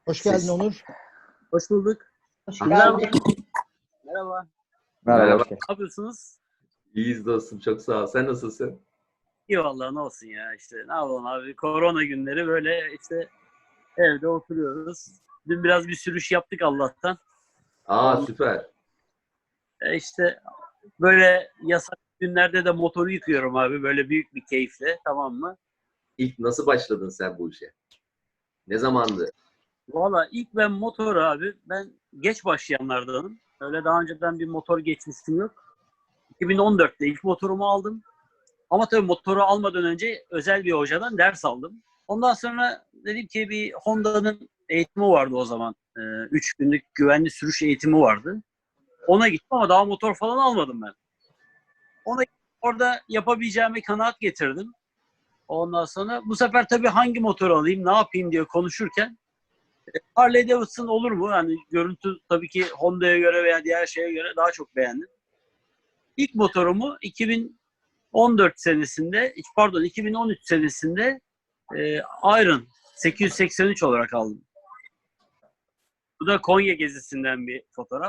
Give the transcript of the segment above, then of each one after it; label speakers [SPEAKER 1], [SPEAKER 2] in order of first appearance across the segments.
[SPEAKER 1] Hoş geldin Onur.
[SPEAKER 2] Hoş bulduk.
[SPEAKER 1] Hoş
[SPEAKER 2] Merhaba.
[SPEAKER 1] geldin.
[SPEAKER 2] Merhaba.
[SPEAKER 3] Merhaba.
[SPEAKER 2] Ne yapıyorsunuz?
[SPEAKER 3] İyiyiz dostum. Çok sağ ol. Sen nasılsın?
[SPEAKER 2] İyi vallahi ne olsun ya işte. Ne yapalım abi? Korona günleri böyle işte evde oturuyoruz. Dün biraz bir sürüş yaptık Allah'tan.
[SPEAKER 3] Süper.
[SPEAKER 2] İşte böyle yasak günlerde de motoru yıkıyorum abi. Böyle büyük bir keyifle, tamam mı?
[SPEAKER 3] İlk nasıl başladın sen bu işe? Ne zamandı?
[SPEAKER 2] Valla ilk ben motor abi, ben geç başlayanlardanım. Öyle daha önceden bir motor geçmişim yok. 2014'te ilk motorumu aldım. Ama tabii motoru almadan önce özel bir hocadan ders aldım. Ondan sonra dedim ki bir Honda'nın eğitimi vardı o zaman. 3 günlük güvenli sürüş eğitimi vardı. Ona gittim ama daha motor falan almadım ben. Ona orada yapabileceğime kanaat getirdim. Ondan sonra bu sefer tabii hangi motoru alayım, ne yapayım diye konuşurken Harley Davidson olur mu? Yani görüntü tabii ki Honda'ya göre veya diğer şeye göre daha çok beğendim. İlk motorumu 2014 senesinde, pardon 2013 senesinde Iron 883 olarak aldım. Bu da Konya gezisinden bir fotoğraf.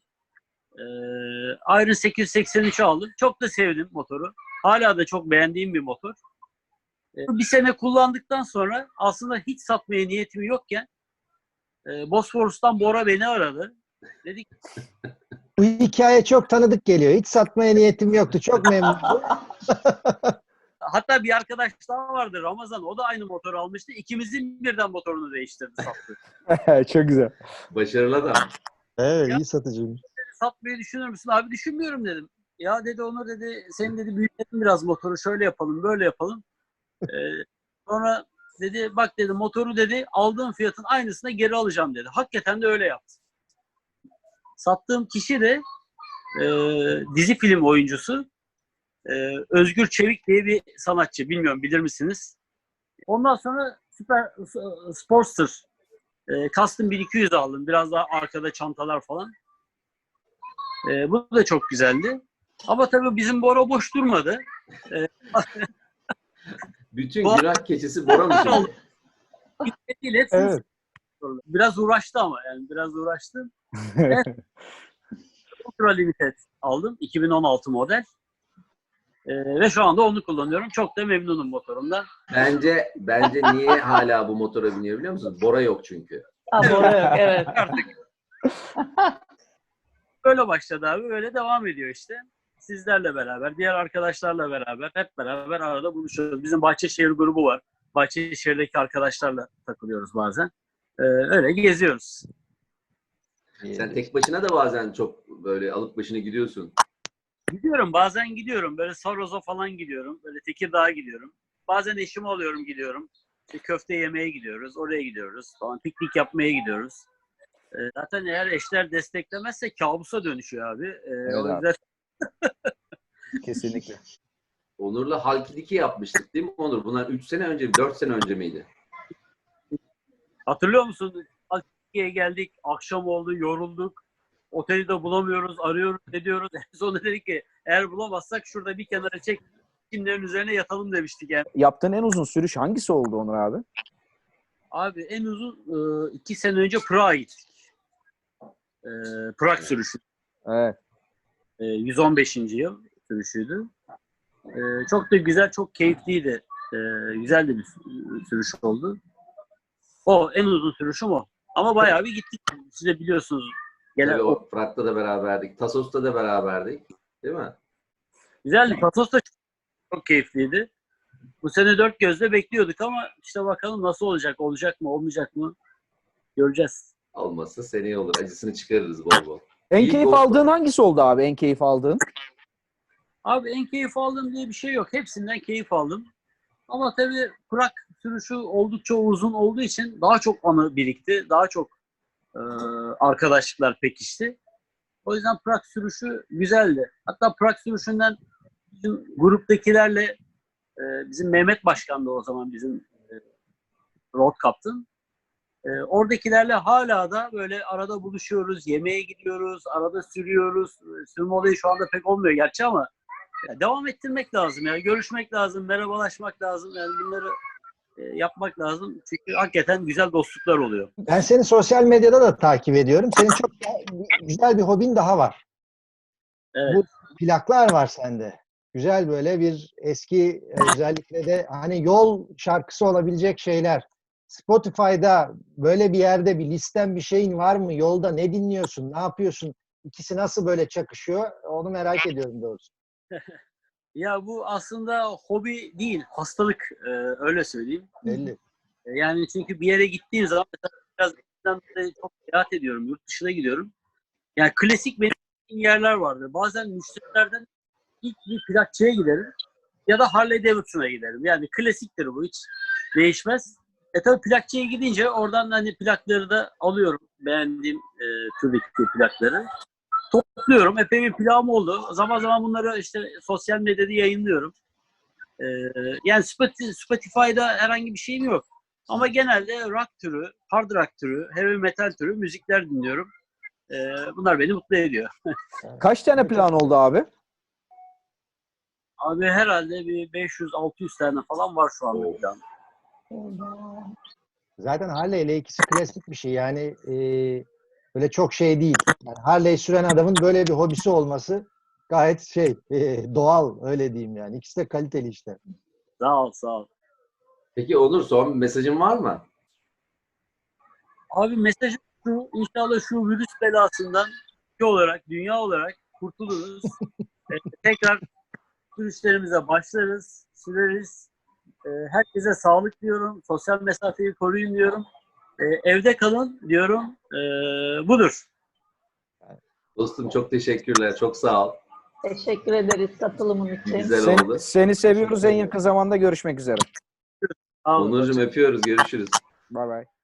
[SPEAKER 2] Iron 883'ü aldım. Çok da sevdim motoru. Hala da çok beğendiğim bir motor. Bir sene kullandıktan sonra aslında hiç satmaya niyetim yokken Bosforus'tan Bora beni aradı. Dedik
[SPEAKER 1] Bu hikaye çok tanıdık geliyor. Hiç satmaya niyetim yoktu. Çok memnunum.
[SPEAKER 2] hatta bir arkadaş daha vardı Ramazan. O da aynı motoru almıştı. İkimizin birden motorunu değiştirdi, sattı.
[SPEAKER 3] Çok güzel. Başarılı adam.
[SPEAKER 1] Evet, iyi satıcıymış.
[SPEAKER 2] Satmayı düşünür müsün? Abi düşünmüyorum dedim. Ya dedi Onur dedi, senin dedi büyütelim biraz motoru, şöyle yapalım böyle yapalım. Sonra dedi bak dedi motoru dedi aldığım fiyatın aynısına geri alacağım dedi. Hakikaten de öyle yaptı. Sattığım kişi de dizi film oyuncusu Özgür Çevik diye bir sanatçı. Bilmiyorum bilir misiniz? Ondan sonra Super Sportster Custom 1200 aldım. Biraz daha arkada çantalar falan. Bu da çok güzeldi. Ama tabii bizim Bora boş durmadı.
[SPEAKER 3] Bütün günah keçisi Bora mı şimdi?
[SPEAKER 1] Evet.
[SPEAKER 2] Biraz uğraştı ama yani biraz uğraştı. Evet, Ultra Limited aldım. 2016 model. Ve şu anda onu kullanıyorum. Çok da memnunum motorumdan.
[SPEAKER 3] Bence niye hala bu motora biniyor biliyor musun? Bora yok çünkü.
[SPEAKER 4] Bora yok, evet.
[SPEAKER 2] Artık böyle başladı abi. Böyle devam ediyor işte. Sizlerle beraber, diğer arkadaşlarla beraber, hep beraber arada buluşuyoruz. Bizim Bahçeşehir grubu var. Bahçeşehir'deki arkadaşlarla takılıyoruz bazen. Öyle geziyoruz.
[SPEAKER 3] Sen tek başına da bazen çok böyle alıp başını gidiyorsun.
[SPEAKER 2] Gidiyorum, bazen gidiyorum. Böyle Saros'a falan gidiyorum. Böyle Tekirdağ'a gidiyorum. Bazen eşimi alıyorum, gidiyorum. İşte köfte yemeye gidiyoruz. Oraya gidiyoruz falan. Piknik yapmaya gidiyoruz. Zaten eğer eşler desteklemezse kabusa dönüşüyor abi.
[SPEAKER 5] Evet
[SPEAKER 2] O
[SPEAKER 5] abi.
[SPEAKER 2] yüzden
[SPEAKER 5] Kesinlikle.
[SPEAKER 3] Onur'la Halk 2 yapmıştık değil mi Onur? Bunlar 3 sene önce, 4 sene önce miydi?
[SPEAKER 2] hatırlıyor musun? Türkiye'ye geldik. Akşam oldu, yorulduk. Oteli de bulamıyoruz, arıyoruz, ediyoruz. En sonunda dedik ki eğer bulamazsak şurada bir kenara çek, kimlerin üzerine yatalım demiştik yani.
[SPEAKER 5] Yaptığın en uzun sürüş hangisi oldu Onur abi?
[SPEAKER 2] Abi en uzun 2 sene önce Prag'a gittik. Prag sürüşü.
[SPEAKER 5] Evet.
[SPEAKER 2] 115. yıl sürüşüydü. Çok da güzel, çok keyifliydi. Güzel de bir sürüş oldu. O en uzun sürüşüm o. Ama bayağı bir gittik. Siz de biliyorsunuz. Gene
[SPEAKER 3] Tabii
[SPEAKER 2] o
[SPEAKER 3] o Fırat'ta da beraberdik. Tasos'ta da beraberdik. Değil mi?
[SPEAKER 2] güzeldi. Patos da çok keyifliydi. Bu sene dört gözle bekliyorduk ama işte bakalım nasıl olacak? Olacak mı, olmayacak mı? Göreceğiz.
[SPEAKER 3] Olmazsa seneye olur. Acısını çıkarırız bol bol.
[SPEAKER 5] En
[SPEAKER 3] İlk
[SPEAKER 5] keyif
[SPEAKER 3] o-
[SPEAKER 5] aldığın hangisi oldu abi? En keyif aldığın?
[SPEAKER 2] Abi en keyif aldığım diye bir şey yok. Hepsinden keyif aldım. Ama tabii Prag sürüşü oldukça uzun olduğu için daha çok anı birikti. Daha çok arkadaşlıklar pekişti. O yüzden Prag sürüşü güzeldi. Hatta Prag sürüşünden bizim gruptakilerle bizim Mehmet Başkan da o zaman bizim road captain. Oradakilerle hala da böyle arada buluşuyoruz, yemeğe gidiyoruz, arada sürüyoruz. Sürme olayı şu anda pek olmuyor gerçi ama ya devam ettirmek lazım. Yani görüşmek lazım, merhabalaşmak lazım. Yani bunları yapmak lazım. Çünkü hakikaten güzel dostluklar oluyor.
[SPEAKER 1] Ben seni sosyal medyada da takip ediyorum. Senin çok güzel bir hobin daha var.
[SPEAKER 2] Evet.
[SPEAKER 1] Bu plaklar var sende. Güzel böyle bir eski özellikle de hani yol şarkısı olabilecek şeyler. Spotify'da böyle bir yerde bir listen bir şeyin var mı? Yolda ne dinliyorsun? Ne yapıyorsun? İkisi nasıl böyle çakışıyor? Onu merak ediyorum doğrusu.
[SPEAKER 2] Ya bu aslında hobi değil, hastalık, öyle söyleyeyim.
[SPEAKER 1] Belli.
[SPEAKER 2] Yani çünkü bir yere gittiğim zaman mesela biraz eskiden beri çok seyahat ediyorum, yurt dışına gidiyorum. Yani klasik benim gittiğim yerler vardır. Bazen müşterilerden ilk bir plakçıya giderim ya da Harley Davidson'a giderim. Yani klasiktir bu, hiç değişmez. Tabii plakçıya gidince oradan hani plakları da alıyorum. Beğendiğim türdeki plakları. Topluyorum. Epey bir plağım oldu. Zaman zaman bunları işte sosyal medyada yayınlıyorum. Yani Spotify'da herhangi bir şeyim yok. Ama genelde rock türü, hard rock türü, heavy metal türü müzikler dinliyorum. Bunlar beni mutlu ediyor.
[SPEAKER 5] Kaç tane plan oldu abi?
[SPEAKER 2] Abi herhalde bir 500-600 tane falan var şu anda plan.
[SPEAKER 1] Zaten Harley ile ikisi klasik bir şey. Yani böyle çok şey değil. Yani Harley süren adamın böyle bir hobisi olması gayet doğal öyle diyeyim yani. İkisi de kaliteli işler.
[SPEAKER 2] Sağ ol, sağ ol.
[SPEAKER 3] Peki Onur, son bir mesajın var mı?
[SPEAKER 2] Abi mesajım şu, inşallah şu virüs belasından ülke olarak, dünya olarak kurtuluruz. Tekrar sürüşlerimize başlarız, süreriz. Herkese sağlık diyorum, sosyal mesafeyi koruyun diyorum. Evde kalın diyorum. Budur.
[SPEAKER 3] Dostum çok teşekkürler. Çok sağ ol.
[SPEAKER 4] Teşekkür ederiz katılımın için.
[SPEAKER 3] Güzel oldu.
[SPEAKER 5] Seni seviyoruz. En yakın zamanda görüşmek üzere.
[SPEAKER 2] Sağ olun.
[SPEAKER 3] Onurcuğum öpüyoruz. Görüşürüz.
[SPEAKER 5] Bay bay.